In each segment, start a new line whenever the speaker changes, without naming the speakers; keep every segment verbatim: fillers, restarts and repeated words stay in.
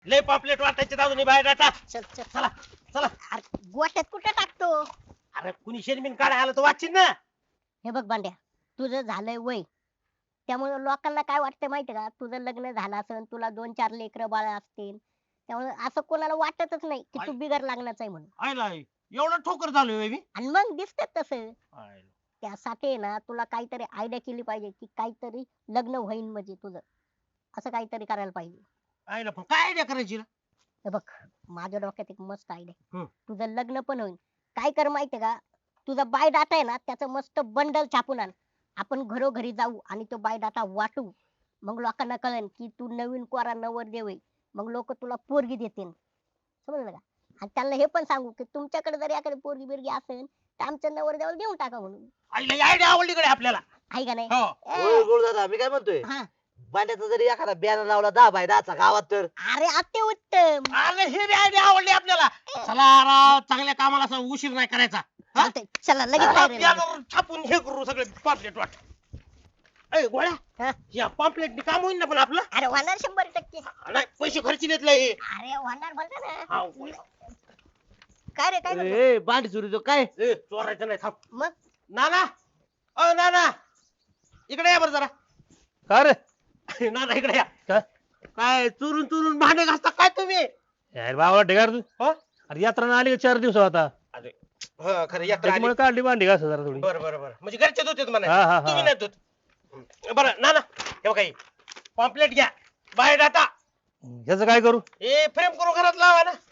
लय पॉम्पलेट वाटायचे दादूनी बाहेर टाटा.
चल चल
चला चला.
अरे गोट्यात कुठे टाकतो?
अरे कुणी शेणबिन काढाय आलं तर वाचीन ना.
हे बघ बांड्या, तुझं झालंय वय, त्यामुळे लोकांना काय वाटतं माहितीये का, तुझं लग्न झालं असेल, तुला दोन चार लेकरं बाळ असतील, त्यामुळे असं कोणाला वाटतच नाही की तू
आई-
बिगर लग्नाचा आहे म्हणून.
आयला एवढा ठोकर झालोय मी.
आणि मग दिसत तसं.
आयला.
त्यासाठी आहे ना तुला काहीतरी आयडिया केली पाहिजे की काहीतरी लग्न होईन म्हणजे तुझं, असं काहीतरी करायला पाहिजे.
आयला पण काय आयडिया करायची रे?
हे बघ, माझ्या डोक्यात एक मस्त आयडिया.
हम्म.
तुझं लग्न पण होईल. काय कर माहितीये का, तुझा बाय डाटा आहे ना त्याचं मस्त बंडल छापून आण. आपण घरोघरी जाऊ आणि तो बाय डाटा वाटू. मग लोकांना कळेल की तू नवीन कोरा नवरदेव आहे. मग लोक तुला पोरगी देतील. समजलं का? आणि त्यांना हे पण सांगू की तुमच्याकडे जर एखादी पोरगी बिरगी असेल तर आमच्या नवरदेवाला देऊन टाका म्हणून.
आईला आयडिया आवडली कडे आपल्याला.
आहे का नाही?
हो.
ए,
गोळ दादा मी काय म्हणतोय,
हा.
बांड्याचा जरी एखादा बॅनर लावला दहा बाय दहाचा गावात तर
अरे अति उत्तम.
अरे हे बी आयडिया आवडली आपल्याला. चला राव, चांगल्या कामाला असा उशीर नाही करायचा. हा?
चालतंय, चला लगेच
हा,
तयारी लागा.
पियानोवर छापून हे करू सगळे पॉम्पलेट वाट. ए गोळ्या,
हा?
या पॉम्पलेट काम होईल ना पण आपलं.
अरे होणार शंभर टक्के.
नाही पैसे खर्च घेतलंय.
अरे होणार बोलता ना.
हा, गोळ्या.
काय रे काय म्हणतो?
ए बांडी चोरी तो काय
ए, चोरायचं नाही थांब.
मग
नाना, अ नाना, इकडे या बरं जरा.
का रे?
नाना इकडे या.
काय?
काय चुरून चुरून भांडे घासता काय तुम्ही?
यार बाबा ढेगार तू.
हो?
अरे यात्रा ना आली का चार दिवस आता,
अरे हो खरं यात्रा आली.
त्याच्यामुळे काढली भांडी घास जरा थोडी.
बरं बरं बरं म्हणजे घरचे धुतेत
हा, हा,
म्हणा
हा.
तुम्ही नाही धुत. बरं नाना हे काही पॉम्पलेट घ्या, बाहेर डाटा
ह्याचं काय करू?
हे फ्रेम करून घरात लावा ना.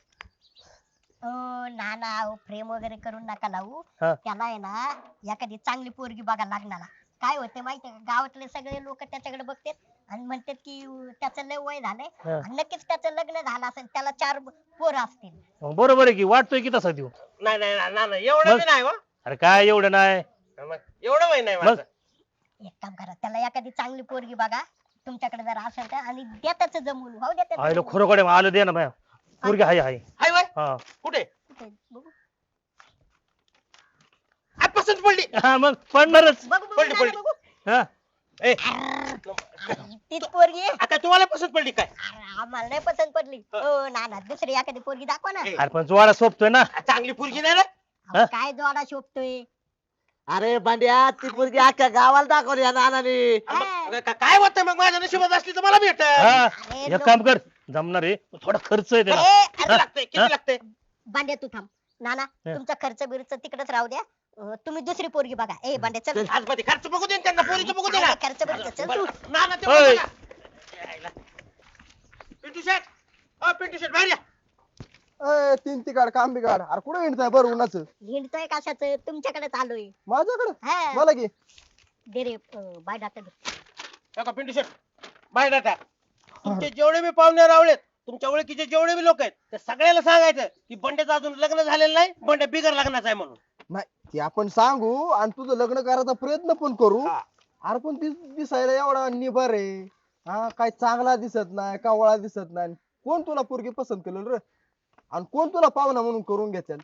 ओ ना ना फ्रेम वगैरे करून नका लावू.
हा.
त्याला आहे ना एखादी चांगली पोरगी बघा लागणार. काय होते माहितीये का, गावातले सगळे लोक त्याच्याकडे बघतात आणि म्हणतात की अं, त्याचं लय वय झालंय
हा.
आणि नक्कीच त्याचं लग्न झालं असेल, त्याला चार पोरं असतील.
मग बरोबर आहे की, वाटतोय की तसा देऊ.
नाही नाही ना- नाना एवढं
मग?
बी नाही हो.
अरे काय एवढं नाही.
मग एवढं वय नाही
मग?
माझं.
एक काम करा, त्याला एखादी चांगली पोरगी बघा तुमच्याकडे जर असेल तर, आणि द्या त्याचं जमून हो द्या त्याचं
आयलो
जमवून.
खरोकडे आलं दे ना बाया. पोरगी हाय हाय.
हाय वय
हा
कुठे?
कुठे? बघू
आ, पसंत पडली.
हा, मग पडणारच.
बघू बघू
पडली,
नाना,
पडली.
बघू.
हा
ए,
अरे, तीच पोरगी आहे.
आता तुम्हाला पसंत पडली काय?
अरे, आम्हाला नाही पसंत पडली. हो ना ना, दुसरी एखादी पोरगी दाखवा ना.
ए,
अरे पण जोडा सोपतोय ना.
चांगली पोरगी नाही रे.
अहो, काय जोडा शोभतोय.
अरे बांड्या ती पोरगी अख्ख्या गावाला दाखवली या नानाने.
मग का- काय होतं मग माझ्या नशिबात असली तर मला भेट.
हा
अरे,
एक
लोक-
काम कर, जमणार आहे थोडा खर्च आहे त्याला.
ए,
किती
अरे,
लागतंय किती
हा?
लागतंय?
बांड्या तू थांब. नाना
हा.
तुमचा खर्च बिर्च तिकडेच राहू द्या. अं, तुम्ही दुसरी पोरगी बघा. ए बांड्या चल.
आज मध्ये खर्च बघू दे ना त्यांना, पोरीचं बघू दे ना.
काय खर्च बिर्च चल तू.
बरं, नाना ते
ओय.
बघा. यायला. पिंटू शेट, अ पिंटू शेट बाहेर या.
ए, तीन तिकाड काम बिगाड अरे कुठे हिंडताय बरं उन्हाचं
हिंडतोय कशाच, तुमच्याकडेच आलोय.
माझ्याकडे
हा.
मला की
दे रे अं, बाय डाटा दे.
हे का पिंटू शेट बाहेर टाका. तुमचे जेवढे बी पाहुणे रावळेत, तुमच्या ओळखीचे जेवढे बी लोक आहेत, ते सगळ्याला सांगायचं की बंड्याचं अजून लग्न झालेलं नाही, बंड्या बिगर लग्नाचा आहे म्हणून.
नाही ते आपण सांगू आणि तुझं लग्न करायचा प्रयत्न पण करू.
हा.
अरे पण ती दिसायला एवढा निबर आहे, हा काय चांगला दिसत नाही, कावळा दिसत नाही. कोण तुला पोरगी पसंत केलं रे, आणि कोण तुला पाहुणा म्हणून करून घेतील?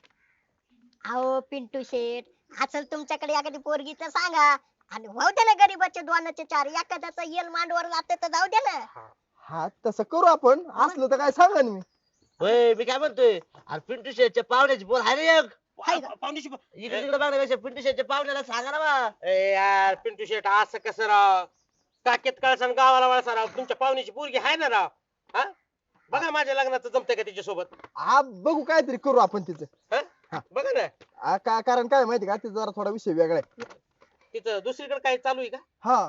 अहो पिंटू शेठ, असेल तुमच्याकडे एखादी पोरगी तर सांगा. आणि वाहू द्या ना गरीबाचे दोनाचे चार, एखाद्याचा येल मांडवर जाते तर जाऊ द्या ना.
हा तसं करू आपण, असलं तर काय सांगा ना मी.
होय मी काय म्हणतोय, अरे पिंटू शेटच्या पाहुण्याची बोल हाय रे एक.
हाय का?
पाहुण्याशी ब-
इकडे तिकडे बघण्यापेक्षा पिंटू शेटच्या पाहुण्याला सांगा ना बा.
ए यार पिंटू शेट असं कसं राव, काकेत कळसा आणि गावाला वळसा राव. तुमच्या पाहुण्याची पोरगी आहे ना राव. हा बघा माझ्या लग्नाचं जमतंय का तिच्यासोबत?
हा बघू काहीतरी करू आपण तिचं.
हा? बघा ना
हा, का कारण काय माहिती का, तिचा जरा थोडा विषय वेगळा आहे.
तिथं दुसरीकडे काय चालू आहे का?
हा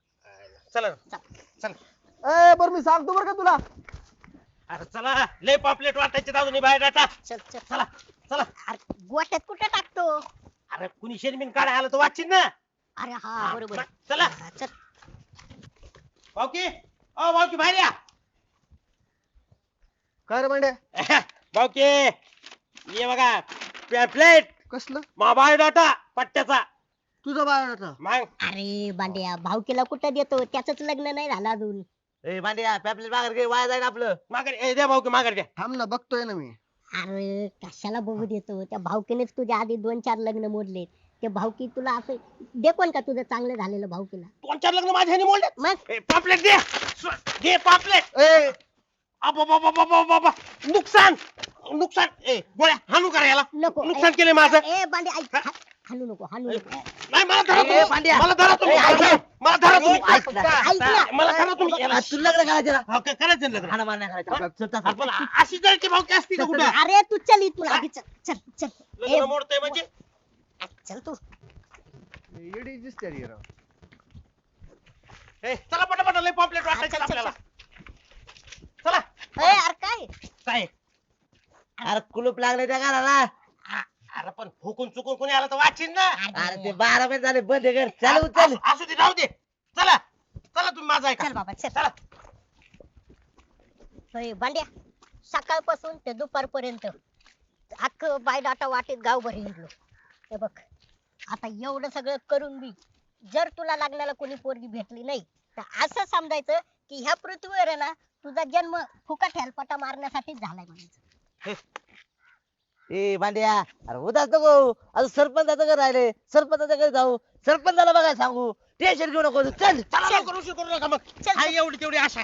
चला ना. चला
ए बरं मी सांगतो बरं का तुला.
अरे चला, लय पॉम्पलेट वाटायचे दादूनी बाहेर टाटा.
चल चल
चला चला.
अरे गोट्यात कुठे टाकतो?
अरे कुणी शेणबिन काढाय आलं तर वाचीन ना.
अरे हा बरोबर.
चला
हा, चल.
भाऊकी, ओ भाऊकी बाहेर या.
काय रे मांड्या,
भाऊकी ये बघा पॅम्पलेट,
कसलं
मा बाहेर डाटा पट्ट्याचा.
तुझा बायोडाटा?
मग
अरे बांड्या, भावकीला कुठं देतो, त्याच लग्न नाही झालं अजून.
ए बांड्या पॅपलेट माघार घे, वाया जाईल आपलं.
माघारी ए, द्या भाऊकी माघारी द्या.
थांब ना बघतोय ना मी.
अरे कशाला बघू देतो, त्या भावकीनेच तुझ्या आधी दोन चार लग्न मोडले. ते भावकी तुला असं दे कोण का तुझं चांगलं झालेलं भावकीला?
दोन चार लग्न माझ्या ह्याने मोडलेत.
मग
ए, पॉम्पलेट दे. स्व- दे पॉम्पलेट.
ए
अबाबाबाबाबाबा. नुकसान नुकसान ए गोळ्या हाणू करा याला
नको
नुकसान केलंय माझं.
ए बांडे ऐक हा- हाणू नको हाणू नको
नाही मला धरा
ए,
तुम्ही.
पांड्या.
मला धरा तुम्ही
ए, ऐक ना.
मला धरा तुम्ही
ऐक ना.
ऐक ना.
मला धरा तुम्ही याला.
आ, तुला लग्न करायचं ना
हा, क- करायचं ना लग्न.
हाणा मार नाही करायचं चल, चल, चल.
आपण अशी जळची भावकी असती का कुठं
अरे तू चल इथून आधी चल चल चल ए,
लग्न मोडतंय म्हणजे
चल तू
येडी दिसते रे राव.
ए, चला पटापट लय पॉम्पलेट
चल,
वाटायचं
चल,
आपल्याला चला
ए अरे काय
काय
अरे कुलूप लागले त्या घराला
आ- अरे पण फुकून चुकून कोणी आला तर वाचिन ना
अरे ते बारा महिने झाले बंद आहे घर चालू चल
असू- असू दे राहू दे चला चला तुम्ही माझा ऐका
चल बाबा चल
चला
होय भांड्या सकाळपासून ते दुपारपर्यंत अख्खं बायडाटा वाटेत गावभर हिंडलो हे बघ आता एवढं सगळं करून बी जर तुला लागण्याला कोणी पोरगी भेटली नाही तर असं समजायचं की ह्या पृथ्वीवर आहे ना तुझा जन्म फुकट हेलपाटा मारण्यासाठीच झालाय म्हणायचं
ए भांड्या अरे उदास नको अजून सरपंचाचं घर राहिले सरपंचाच्या घरी जाऊ सरपंचाला बघायला सांगू टेन्शन घेऊ नको चल
चला लवकर उशीर करू नका मग
चल,
हाय एवढी तेवढी आशा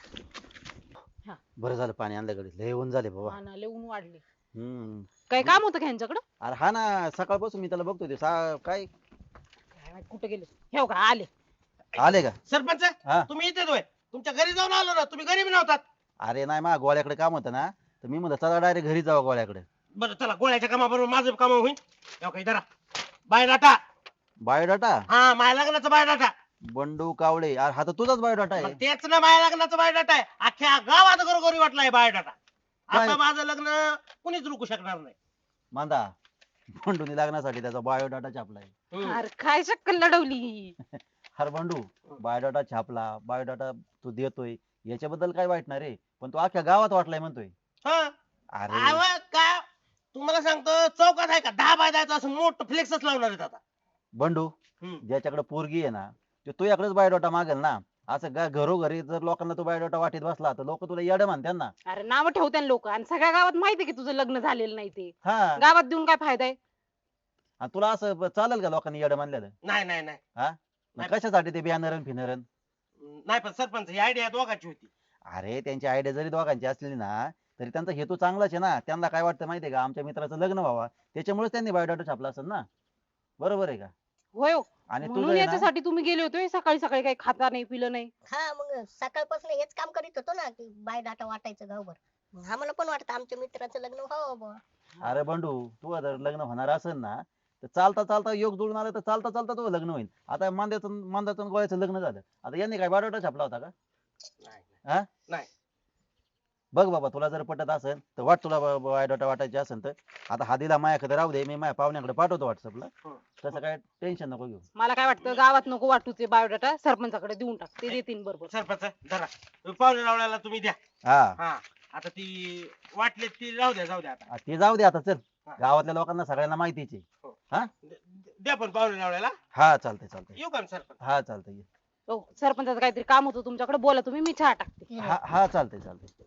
बरं झालं पाणी आणलं कडे लय ऊन झाले बाबा
हा ना लय ऊन वाढले
हम्म
काय काम होतं का ह्यांच्याकडं
अरे हा ना सकाळपासून मी त्याला बघतोय ते सा- काय
काय माहित कुठे गेले हे का आले
आले का
सरपंच
हा.
तुम्ही इथेच होय तुमच्या घरी जाऊन आलो ना तुम्ही घरी बी नव्हतात
अरे नाही मा गोळ्याकडे काम होतं ना तर मी म्हणलं चला डायरेक्ट घरी जावं गोळ्याकडे
बरं चला गोळ्याच्या कामाबरोबर माझं काम होईल एवढं काही धरा बायोडाटा
बायोडाटा
हा माझ्या लग्नाचा बायोडाटा
बंडू कावळे अरे हा तर तुझाच बायोडाटा
मग
आहे
तेच ना माझ्या लग्नाचा बायोडाटा आहे अख्ख्या गावात घरोघरी वाटलाय बायोडाटा आता
काय?
माझं लग्न कुणीच रुकू शकणार नाही
मांदा बंडूनी लागण्यासाठी त्याचा बायोडाटा छापलाय
हम्म.
अरे काय शक्कल लढवली
अरे बंडू बायोडाटा छापला बायोडाटा तू देतोय याच्याबद्दल काय वाईट नाही रे पण तू अख्ख्या गावात वाटलाय म्हणतोय
हा
अरे
अहो, का तुम्हाला सांगतो चौकात आहे का दहा बाय दहाचं असं मोठं फ्लेक्सच लावणार आहेत आता
बंडू
हम्म.
ज्याच्याकडे पोरगी आहे ना ते तू याकडेच बायोडाटा मागेल ना असं गा- घरोघरी जर लोकांना तू बायोडाटा वाटीत बसला तर लोक तुला येडं म्हणतात ना
अरे नाव ठेवते लोक आणि सगळ्या गावात माहितीये की तुझं लग्न झालेलं नाही ते
हा
गावात देऊन काय फायदा आहे
आणि तुला असं ब- चालेल का लोकांनी येडं म्हणलेलं
नाही नाही नाही
मग
नाही.
कशासाठी ते बियाणरण फिनरण
नाही पण सरपंच ही आयडिया दोघांची होती
अरे त्यांची आयडिया जरी दोघांची असली ना तरी त्यांचा हेतू चांगलाच आहे ना त्यांना काय वाटतं माहितीये का आमच्या मित्राचं लग्न व्हावं त्याच्यामुळेच त्यांनी बायोडाटा छापला असेल ना बरोबर आहे का
होय हो.
आणि तुझं
म्हणून
आहे ना
याच्यासाठी तुम्ही गेले होते सकाळी सकाळी काही खाता नाही पिलं नाही
हा मग सकाळपासून हेच काम करीत होतो ना की बायडाटा वाटायचं गावभर मग आम्हाला पण वाटतं आमच्या मित्राचं लग्न व्हावं बुवा.
अरे बंडू तू जर लग्न होणार असेल ना तर चालता चालता योग जुळून आलं तर चालता चालता तुझं लग्न होईल आता मांद्याचं मांदाचं आणि गोळ्याचं लग्न झालं आता यांनी काय बायोडाटा छापला होता का
नाही
हा
नाही.
बघ बाबा तुला जर पटत असेल तर वाट तुला बायोडाटा वाटायची असेल तर आता हा दिला माझ्याकडे राहू दे मी माझ्या पाहुण्याकडे पाठवतो व्हॉट्सअपला
हं.
तसं काय टेन्शन नको घेऊ
मला काय वाटतं गावात नको वाटूचे बायोडाटा सरपंचाकडे देऊन टाक ते देतील बरोबर
सरपंच धरा तुम्ही पाहुणे रावळ्याला तुम्ही द्या
हा
हा आता ती वाटले ती राहू द्या जाऊ द्या आता
आ, ते जाऊ दे आता चल
हा.
गावातल्या लोकांना सगळ्यांना माहितीच आहे
द- द्या पण पाहुणे रावळ्याला
हा चालतंय चालतंय
येऊ का मी सरपंच
हा चालतंय
हो सरपंचाचं काहीतरी काम होतं तुमच्याकडे बोला तुम्ही मी चहा टाकते
हा हा चालतंय चालतंय